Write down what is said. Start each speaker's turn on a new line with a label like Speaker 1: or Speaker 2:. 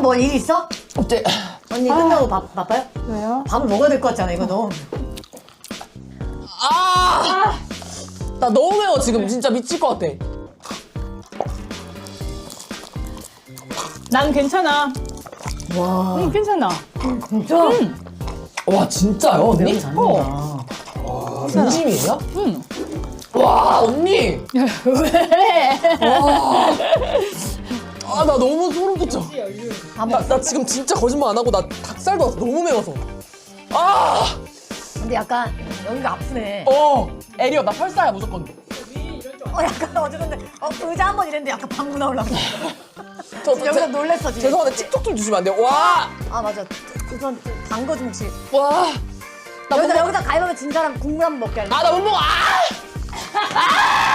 Speaker 1: 뭐 일 있어?
Speaker 2: 어때?
Speaker 1: 언니 끝나고 바빠요?
Speaker 3: 왜요?
Speaker 1: 밥을 먹어야 될 것 같잖아 이거 너무.
Speaker 2: 나 너무 매워 지금 진짜 미칠 것 같아.
Speaker 3: 난 괜찮아.
Speaker 1: 와
Speaker 3: 응, 괜찮아.
Speaker 1: 진짜?
Speaker 2: 와 진짜요 언니?
Speaker 1: 매운 잘한다.
Speaker 2: 진심이에요?
Speaker 3: 응.
Speaker 2: 와 언니.
Speaker 3: 왜?
Speaker 2: 아 나 너무 소름 끼쳐. 나 지금 진짜 거짓말 안 하고 나 닭살도 왔어 너무 매워서. 아.
Speaker 1: 근데 약간 여기가 아프네.
Speaker 2: 에리어 나 펄사야 무조건.
Speaker 1: 약간 어제 근데 의자 한 번 이랬는데 약간 방구 나오려고. 여기서
Speaker 2: 제-
Speaker 1: 놀랬어 지금.
Speaker 2: 죄송한데 틱톡 좀 주시면 안 돼요? 와.
Speaker 1: 아 맞아. 우선 단거 좀 혹시.
Speaker 2: 와. 나 못 먹어.
Speaker 1: 여기다 가위바위보 진 사람 국물 한 번 먹게 할래.
Speaker 2: 아 나 못 먹어. 아.